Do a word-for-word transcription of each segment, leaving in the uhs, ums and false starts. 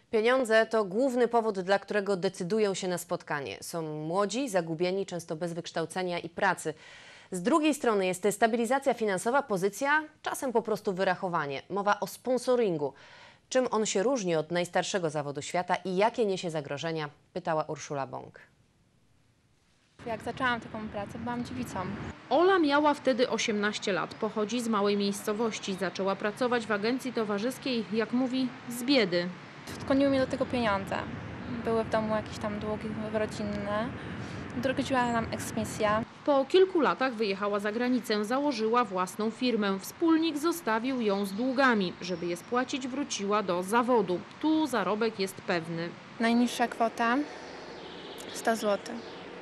Pieniądze to główny powód, dla którego decydują się na spotkanie. Są młodzi, zagubieni, często bez wykształcenia i pracy. Z drugiej strony jest stabilizacja finansowa, pozycja, czasem po prostu wyrachowanie. Mowa o sponsoringu. Czym on się różni od najstarszego zawodu świata i jakie niesie zagrożenia? Pytała Urszula Bąk. Jak zaczęłam taką pracę, byłam dziewicą. Ola miała wtedy osiemnaście lat, pochodzi z małej miejscowości. Zaczęła pracować w agencji towarzyskiej, jak mówi, z biedy. Skłoniły mnie do tego pieniądze. Były w domu jakieś tam długi rodzinne. Groziła nam eksmisja. Po kilku latach wyjechała za granicę, założyła własną firmę. Wspólnik zostawił ją z długami. Żeby je spłacić, wróciła do zawodu. Tu zarobek jest pewny. Najniższa kwota sto złotych.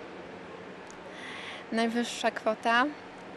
Najwyższa kwota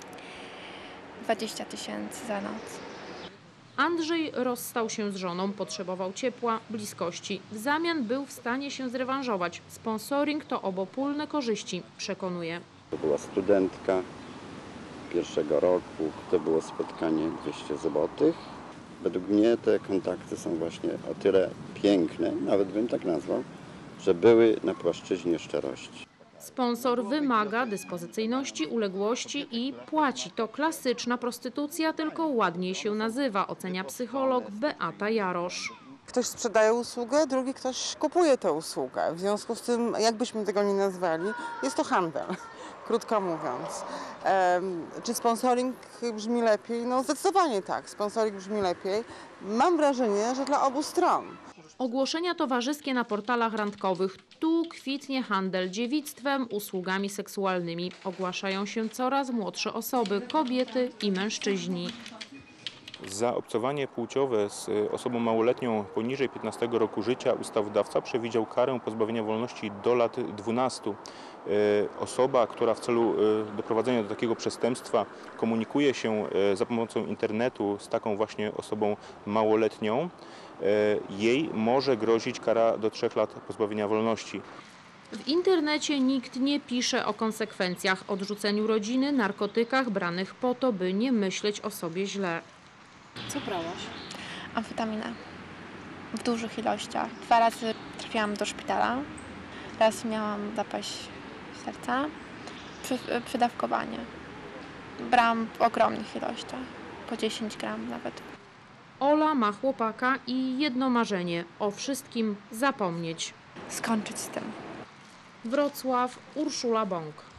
dwadzieścia tysięcy za noc. Andrzej rozstał się z żoną, potrzebował ciepła, bliskości. W zamian był w stanie się zrewanżować. Sponsoring to obopólne korzyści, przekonuje. To była studentka pierwszego roku, to było spotkanie dwieście złotych. Według mnie te kontakty są właśnie o tyle piękne, nawet bym tak nazwał, że były na płaszczyźnie szczerości. Sponsor wymaga dyspozycyjności, uległości i płaci. To klasyczna prostytucja, tylko ładniej się nazywa, ocenia psycholog Beata Jarosz. Ktoś sprzedaje usługę, drugi ktoś kupuje tę usługę. W związku z tym, jakbyśmy tego nie nazwali, jest to handel, krótko mówiąc. Um, czy sponsoring brzmi lepiej? No zdecydowanie tak, sponsoring brzmi lepiej. Mam wrażenie, że dla obu stron. Ogłoszenia towarzyskie na portalach randkowych. Tu kwitnie handel dziewictwem, usługami seksualnymi. Ogłaszają się coraz młodsze osoby, kobiety i mężczyźni. Za obcowanie płciowe z osobą małoletnią poniżej piętnastego roku życia ustawodawca przewidział karę pozbawienia wolności do lat dwunastu. Osoba, która w celu doprowadzenia do takiego przestępstwa komunikuje się za pomocą internetu z taką właśnie osobą małoletnią, jej może grozić kara do trzech lat pozbawienia wolności. W internecie nikt nie pisze o konsekwencjach, odrzuceniu rodziny, narkotykach branych po to, by nie myśleć o sobie źle. Co brałaś? Amfetaminę. W dużych ilościach. Dwa razy trafiłam do szpitala. Raz miałam zapaść serca. Przy, przydawkowanie. Brałam w ogromnych ilościach. Po dziesięć gram nawet. Ola ma chłopaka i jedno marzenie – o wszystkim zapomnieć. Skończyć z tym. Wrocław, Urszula Bąk.